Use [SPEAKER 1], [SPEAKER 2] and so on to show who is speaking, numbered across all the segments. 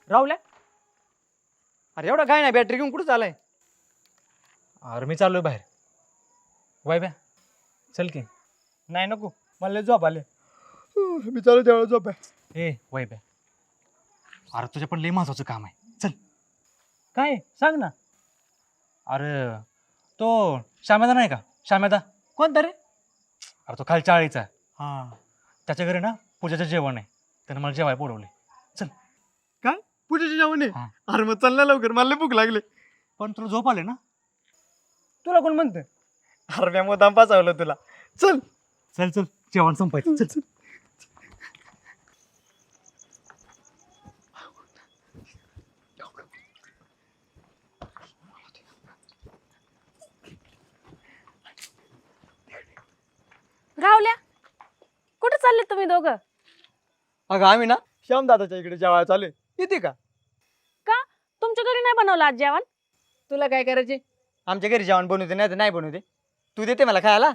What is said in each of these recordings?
[SPEAKER 1] राहुल्या, अरे एवढा काय नाही, बॅटरी घेऊन कुठं चालाय?
[SPEAKER 2] अरे मी चाललोय बाहेर. वाय चल की.
[SPEAKER 1] नाही नको, मला लय झोप आले. मी चालू त्यावेळेला झोप आहे.
[SPEAKER 2] ए वाय अरे तुझ्या पण लय महत्वाचं काम आहे. चल.
[SPEAKER 1] काय सांग ना.
[SPEAKER 2] अरे तो श्यामेदा नाही का? श्यामेदा.
[SPEAKER 1] कोणता रे?
[SPEAKER 2] अरे तो खालच्या आळीचा.
[SPEAKER 1] हा.
[SPEAKER 2] त्याच्या घरी ना पूजाचं जेवण आहे. त्यानं मला जेवायला बोलवले. चल.
[SPEAKER 1] काय पूजेचे जेवण आहे?
[SPEAKER 2] हा.
[SPEAKER 1] अरे मग चल ना लवकर, मला लय भूक लागले.
[SPEAKER 2] पण तुला झोप आले ना?
[SPEAKER 1] तुला कोण म्हणतं? अरे मी मुद्दाम पाचावलं तुला. चल.
[SPEAKER 2] चल चल जेवण संपायचं. चल चल.
[SPEAKER 3] राहुल्या, कुठे चालले तुम्ही दोघं?
[SPEAKER 1] अगं आम्ही ना श्याम दादाच्या इकडे जेवायला चालू आहे, येते का?
[SPEAKER 3] का तुमच्या घरी नाही बनवलं आज जेवण?
[SPEAKER 1] तुला काय करायचे? आमच्या घरी जेवण बनवते नाही तर नाही बनवते. तू देते मला खायला?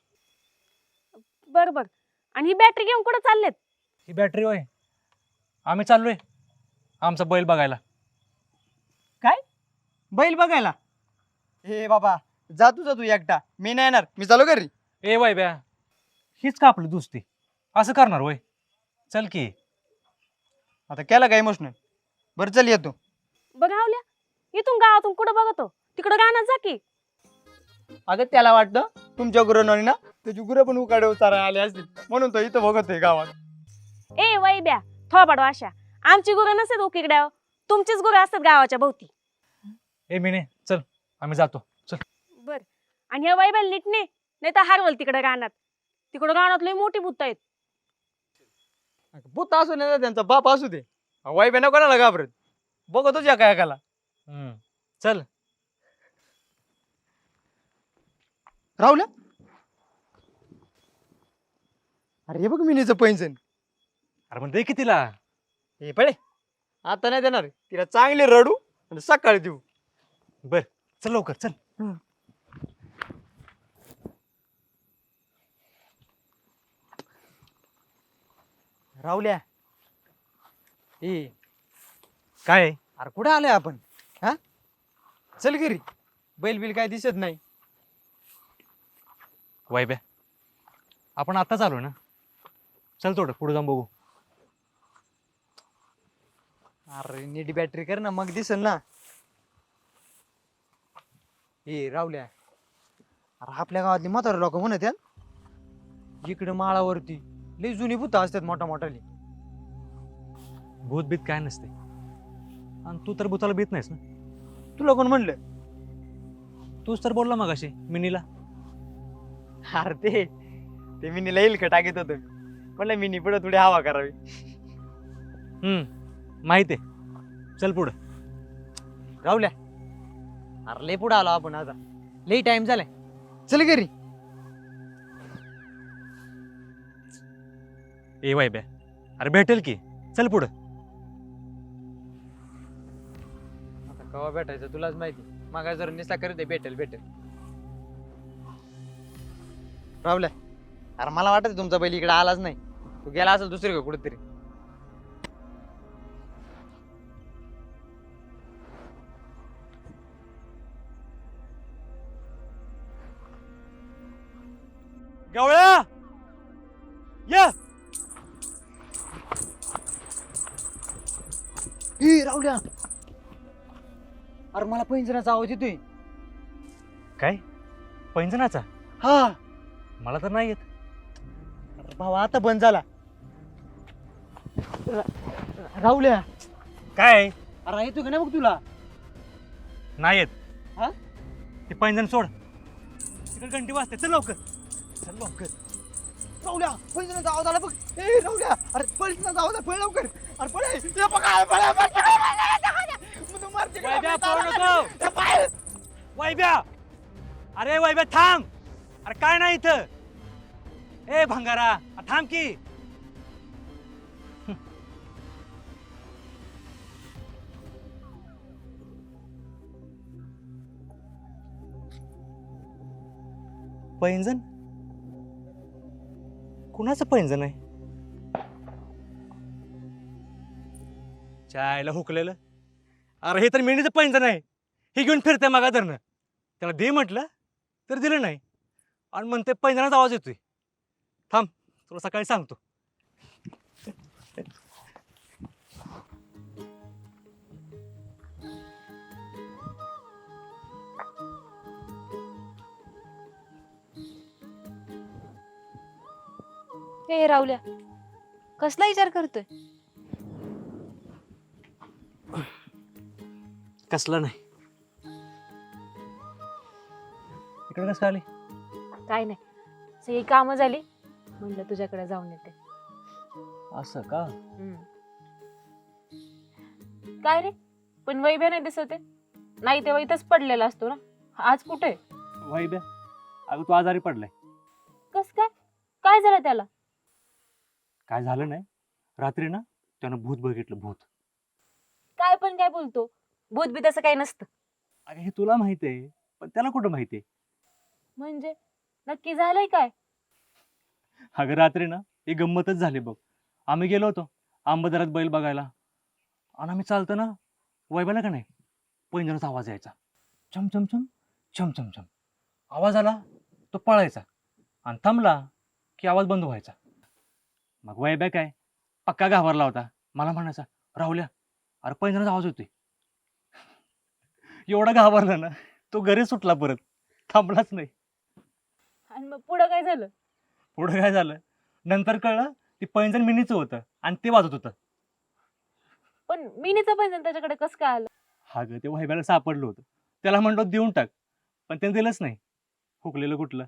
[SPEAKER 3] बर बर. आणि ही बॅटरी घेऊन कुठे चाललेत?
[SPEAKER 2] ही बॅटरी होय. आम्ही चाललोय आमचा बैल बघायला.
[SPEAKER 1] काय बैल बघायला? हे बाबा जा तू एकटा, मी नाही येणार, मी चालू घरी.
[SPEAKER 2] ए वाय हीच का आपली दुसती? असं करणार होय? चल की.
[SPEAKER 1] आता केला काय इमोशनल? बरं चल येतो.
[SPEAKER 3] बघ राहुल्या, इथून गावातून कुठं बघतो तिकडं गाण्यात जा की.
[SPEAKER 1] अगं त्याला वाटतं तुमच्या गुरुनोनी ना त्याची गुरं पण उकाडे उतारा आले असतील म्हणून तो इथं बघतोय गावात.
[SPEAKER 3] ए वैब्या, थोबाड वाशा. आमची गुरं नसतात उकिकड्यावर, तुमचीच गुरं असतात गावाच्या भोवती.
[SPEAKER 2] ए मिने चल आम्ही जातो. चल.
[SPEAKER 3] बर. आणि ह्या वैब्याला नीट नाही तर हारवल तिकडे रानात. तिकडं रानात लई मोठी भूत आहेत.
[SPEAKER 1] भूत असू नये त्यांचा बाप असू दे, वाईब ना कोणाला घाबरत. बघतोच या काय एकाला.
[SPEAKER 2] चल.
[SPEAKER 1] राहुल्या, अरे हे बघ मिनीचं पैंजण.
[SPEAKER 2] अरे पण दे की तिला.
[SPEAKER 1] हे पळे, आता नाही देणार, तिला चांगली रडू आणि सकाळी देऊ.
[SPEAKER 2] बर चल लवकर चल.
[SPEAKER 1] राहुल्या, ए
[SPEAKER 2] काय
[SPEAKER 1] अरे कुठे आलोय आपण? हा चल घरी, बैल बिल काय दिसत नाही.
[SPEAKER 2] वाय आपण आत्ताच आलो ना. चल थोडं पुढे जाऊन बघू.
[SPEAKER 1] अरे नीट बॅटरी कर ना, मग दिसल ना. ए राहुल्या, अरे आपल्या गावातली म्हातारे लोक म्हणत आहेत इकडे माळावरती लई जुनी भूत असतात मोठा मोठाली.
[SPEAKER 2] भूत बीत काय नसते. आणि तू तर भूताला भीत नाहीस ना.
[SPEAKER 1] तुला कोण म्हणलं?
[SPEAKER 2] तूच तर बोलला मगाशी मिनीला.
[SPEAKER 1] अरे ते मिनीला येईल का टाकीत होतं, म्हणलं मिनी पुढे थोडी हवा करावी.
[SPEAKER 2] माहिती आहे. चल पुढं.
[SPEAKER 1] राहुल्या, अरे लई पुढे आलो आपण, आता लई टाइम झालाय, चल घरी.
[SPEAKER 2] ए वाय अरे भेटेल की. चल पुढं.
[SPEAKER 1] आता केव्हा भेटायचं तुलाच माहिती. मागा जर निसा करते भेटेल. राहुल्या, अरे मला वाटत तुमचा बैल इकडे आलाच नाही, तू गेला असेल दुसरी का कुठेतरी.
[SPEAKER 2] गवळ्या या.
[SPEAKER 1] राहुल्या, अरे मला पैंजणाचा आवाज येतोय.
[SPEAKER 2] काय पैंजणाचा?
[SPEAKER 1] हा.
[SPEAKER 2] मला तर नाही येत.
[SPEAKER 1] अरे भावा आता बंद झाला. राहुल्या,
[SPEAKER 2] काय
[SPEAKER 1] अरे येतो का नाही बघ तुला?
[SPEAKER 2] नाही येत.
[SPEAKER 1] हा?
[SPEAKER 2] ते पैंजण सोड. तिकडे घंटी वाजते. चल लवकर. चल लवकर.
[SPEAKER 1] राहुल्या, पैंजणाचा आवाज आला बघ. ए राहुल्या, अरे पैंजणाचा आवाज आहे, पळ लवकर. अरे पळ, हे बघा,
[SPEAKER 2] वैभ्या पळू नको. वैभ्या, अरे वैभ्या थांब. अरे काय नाही इथं. ए भंगारा थांब की. पैंजण? कुणाचं पैंजण आहे? चायला हुकलेलं. अरे हे तर मेंढीचं पैंजण आहे, हे घेऊन फिरते मागा धरणं. त्याला दे म्हटलं तर दिलं नाही, आणि म्हणते पैंजणाचा आवाज येतोय. थांब, तुला सकाळी सांगतो.
[SPEAKER 3] हे राहुल्या, कसला विचार करतोय?
[SPEAKER 2] कसला नाही. इकडे कसं आली?
[SPEAKER 3] काय नाही, सगळी कामं झाली, म्हणलं तुझ्याकडे जाऊन येते.
[SPEAKER 2] असं का?
[SPEAKER 3] काय रे, पण वैभ्या नाही दिसत आहे? नाही तेव्हा इथंच पडलेला असतो ना, आज कुठे?
[SPEAKER 2] वाईब्या, अगं तू आजारी पडलाय.
[SPEAKER 3] कस काय? काय झालं त्याला?
[SPEAKER 2] काय झालं नाही, रात्री ना त्यानं भूत बघितलं, भूत.
[SPEAKER 3] काय पण काय बोलतो, भूत बी तसं काही नसतं.
[SPEAKER 2] अगं हे तुला माहिती आहे, पण त्याला कुठं माहिती आहे?
[SPEAKER 3] म्हणजे नक्की झालंय काय?
[SPEAKER 2] अगं रात्री ना एक गंमतच झाली बघ. आम्ही गेलो होतो आंबदरात बैल बघायला, आणि आम्ही चालतो ना, वैबाला का नाही पैंजणाचा आवाज यायचा. छम छम छम छम छम छम आवाज आला, तो पळायचा, आणि थांबला की आवाज बंद व्हायचा. मग वैब्या काय पक्का घाबरला होता. मला म्हणायचा, राहुल्या अरे पैंजणाचा आवाज होतोय. एवढा घाबरला ना, तो घरी सुटला, परत थांबलाच नाही.
[SPEAKER 3] आणि मग पुढं काय झालं?
[SPEAKER 2] पुढं काय झालं, नंतर कळलं ती पैंजण मिनीचं होतं आणि ते वाजत होतं.
[SPEAKER 3] पण मिनीचं पैंजण त्याच्याकडे कसं काय आलं?
[SPEAKER 2] हा ग, ते वैब्याला सापडलं होतं. त्याला म्हणलो देऊन टाक, पण त्याने दिलंच नाही. हुकलेलं कुठलं.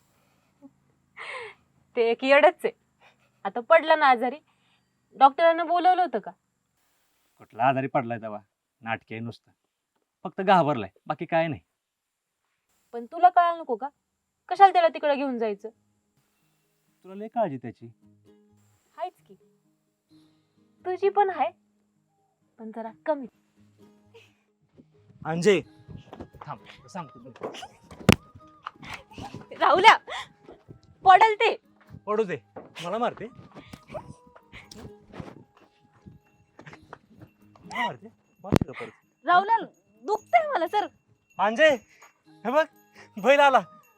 [SPEAKER 3] ते एक येडच आहे. आता पडला ना आजारी, डॉक्टरांना बोलवलं होतं का?
[SPEAKER 2] कुठला आजारी पडलाय तेव्हा, नाटके नुसतं, फक्त घाबरलाय, बाकी काय नाही.
[SPEAKER 3] पण तुला कळायला नको का? कशाला त्याला तिकडे घेऊन जायचं?
[SPEAKER 2] तुला लय काळजी त्याची.
[SPEAKER 3] हायच की, तुझी पण आहे, पण जरा कमी.
[SPEAKER 2] अंजे थांब, सांगतो तुला.
[SPEAKER 3] राहुल्या, पडल ते.
[SPEAKER 2] पडू दे, मला मारते. मला मारते, मारते का परत?
[SPEAKER 3] राहुल्या, दुखतंय मला सर.
[SPEAKER 2] अंजे हे बघ, बैल आला.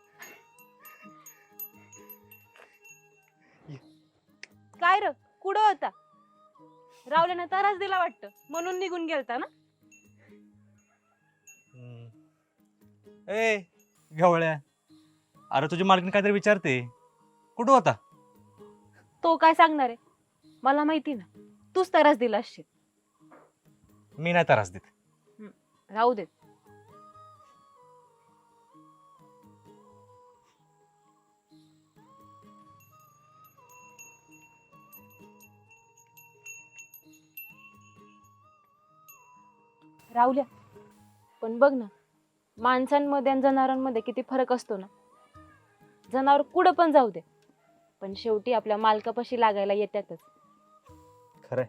[SPEAKER 3] काय र, कुठं होता? राहुल्यानं त्रास दिला वाटतं, म्हणून निघून गेलता ना?
[SPEAKER 2] ए गवळ्या, अरे तुझी मालकीण काहीतरी विचारते, कुठं होता?
[SPEAKER 3] तो काय सांगणार आहे? मला माहिती ना, तूच त्रास दिला असशील.
[SPEAKER 2] मी नाही त्रास देत.
[SPEAKER 3] राहू दे. राहुल्या, पण बघ ना, माणसांमध्ये आणि जनावरांमध्ये किती फरक असतो ना. जनावर कुठं पण जाऊ दे, पण शेवटी आपल्या मालकापाशी लागायला येतातच.
[SPEAKER 2] खरंय.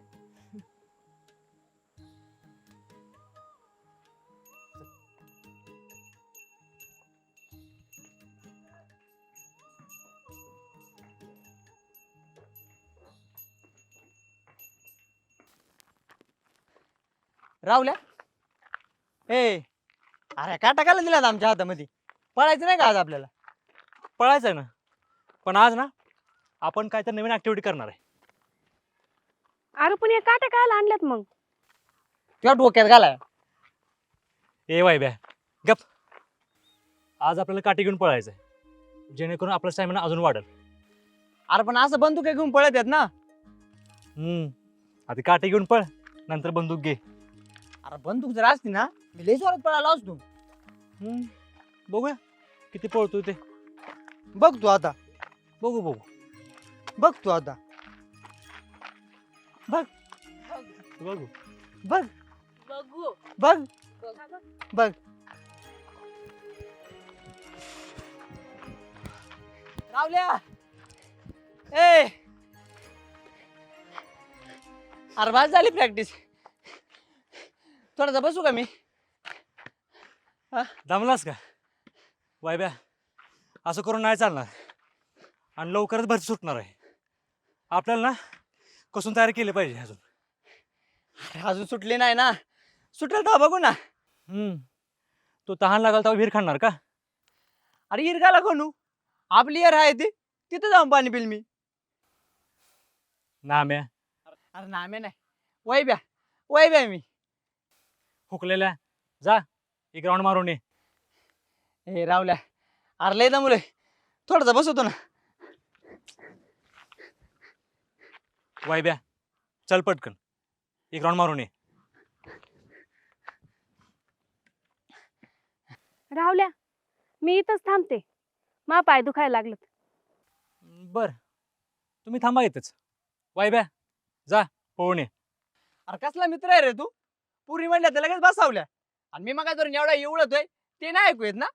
[SPEAKER 1] राहुल्या, ए अरे का टाकायला दिलात आमच्या हातामध्ये? पळायचं नाही का आज आपल्याला?
[SPEAKER 2] पळायचं आहे ना, पण आज ना आपण काहीतरी नवीन ऍक्टिव्हिटी करणार आहे.
[SPEAKER 3] अरे पण या काट्या काय आणल्यात मग?
[SPEAKER 1] किंवा डोक्यात घालाय.
[SPEAKER 2] ए वायब्या, गप. आज आपल्याला काठी घेऊन पळायचं आहे, जेणेकरून आपला स्टॅमिना अजून वाढेल.
[SPEAKER 1] अरे पण असं बंदूक घेऊन पळत आहेत ना.
[SPEAKER 2] आधी काठी घेऊन पळ, नंतर बंदूक घे.
[SPEAKER 1] अरे बंदूक जर असती ना, मी लय जोरात पळाला असतो.
[SPEAKER 2] बघूया किती पळतोय ते.
[SPEAKER 1] बघ तू आता,
[SPEAKER 2] बघू बघू.
[SPEAKER 1] बघ तू आता,
[SPEAKER 2] बघू
[SPEAKER 3] बघू
[SPEAKER 1] बघ बघ. रावल्या, ए अरे बस झाली प्रॅक्टिस. थोडासा बसू का मी?
[SPEAKER 2] दमलास का वायब्या? असं करून नाही चालणार, आणि लवकरच भरती सुटणार आहे. आपल्याला ना कसून तयारी केली पाहिजे अजून.
[SPEAKER 1] अजून सुटली नाही ना, सुटेल तर बघू ना.
[SPEAKER 2] तो तहान लागला तेव्हा विहीर खाणार का?
[SPEAKER 1] अरे इरगाला कोणू, आपली यर आहे ती, तिथं जाऊन पाणी पिल मी.
[SPEAKER 2] नाम्या
[SPEAKER 1] अरे नामे नाही, वैब्या मी.
[SPEAKER 2] हुकलेल्या जा एक राऊंड मारून ये.
[SPEAKER 1] हे रावल्या, अरे लय मुले थोडासा बसवतो ना.
[SPEAKER 2] वायब्या चल पटकन एक राऊंड मारून ये.
[SPEAKER 3] राहुल्या, मी इथंच थांबते. मा पाय दुखायला लागलं.
[SPEAKER 2] बर तुम्ही थांबा इथंच. वायब्या जा पळून ये.
[SPEAKER 1] अरे कसला मित्र आहे रे तू, पुरी म्हणल्या तर लगेच बसावल्या. आणि मी मग जर एवढा एवढतोय ते नाही ऐकू येत ना.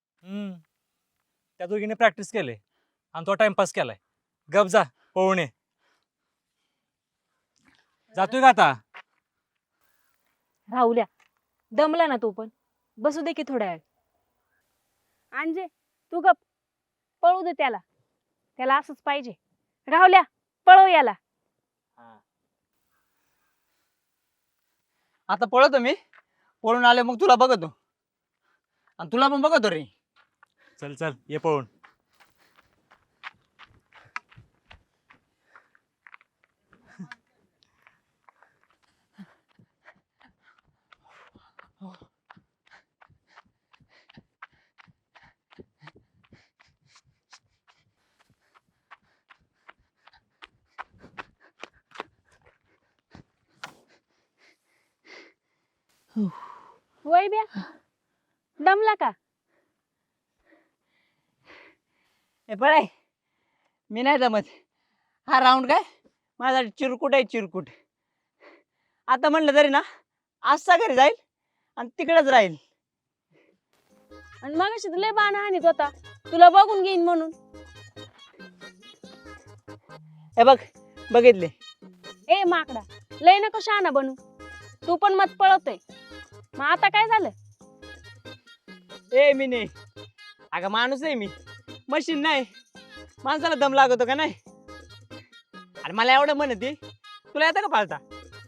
[SPEAKER 2] त्या दोघीने प्रॅक्टिस केले आणि तो टाइमपास केलाय. गप जा पळून ये. जातोय का आता?
[SPEAKER 3] राहुल्या, दमला ना तू पण, बसू दे की थोड्या वेळ. अंजे तू गप, पळू दे त्याला, त्याला असंच पाहिजे. राहुल्या, पळव याला.
[SPEAKER 1] आता पळतो मी, पळून आले मग तुला बघतो आणि तुला पण बघतो रे.
[SPEAKER 2] चल चल ये पळून.
[SPEAKER 3] वैब्या, दमला का?
[SPEAKER 1] हे पळाय, मी नाही जमत. हा राऊंड काय माझा चिरकुट आहे, चिरकुट. आता म्हणलं तरी ना, आजचा घरी जाईल आणि तिकडेच राहील.
[SPEAKER 3] आणि मगाशी लय बाण हाणीत होता, तुला बघून घेईन म्हणून.
[SPEAKER 1] हे बघ, बघितले.
[SPEAKER 3] ए माकडा, लय नको शहाणा बनू. तू पण मत पळवतोय. मग आता काय झालं?
[SPEAKER 1] ए मी नाही, अगं माणूस आहे मी, मशीन नाही. माणसाला दम लागतो का नाही? आणि मला एवढं म्हणते, तुला येतं का पाळता?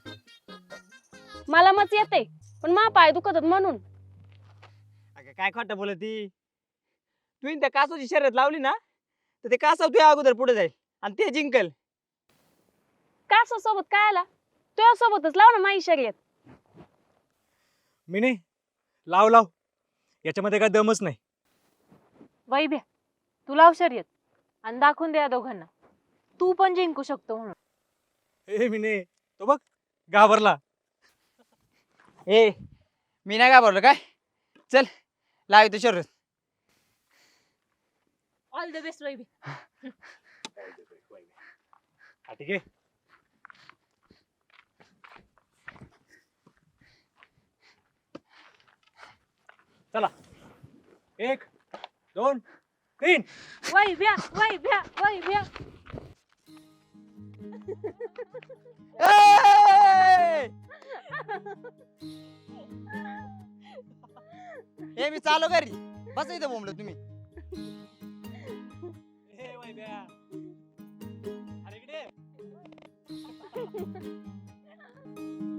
[SPEAKER 3] मला मत येते, पण मा पाय दुखत होत म्हणून.
[SPEAKER 1] अगं काय खोटं बोलती. तू त्या कासवची शर्यत लावली ना, तर ते कासव तुझ्या अगोदर पुढे जाईल आणि ते जिंकल.
[SPEAKER 3] का सोबत काय आला? तुझ्या सोबतच लाव ना माझी शर्यत.
[SPEAKER 2] मी नाही लाव लाव, याच्यामध्ये काय दमच नाही.
[SPEAKER 3] वैभ्या, तू लाव शर्यत आणि दाखवून द्या दोघांना तू पण जिंकू शकतो म्हणून.
[SPEAKER 2] ए मी नाही, तो बघ घाबरला.
[SPEAKER 1] ए मी नाही का बोललो काय? चल लावितो शर्यत.
[SPEAKER 3] ऑल द बेस्ट वैभ्या.
[SPEAKER 2] हा, ठीक आहे. चला 1 2 3.
[SPEAKER 3] वैभ्या, वैभ्या, वैभ्या.
[SPEAKER 1] ए मी चालू घरी, बस इथं बोंबलं तुम्ही.
[SPEAKER 2] ए वैभ्या, अरे इकडे.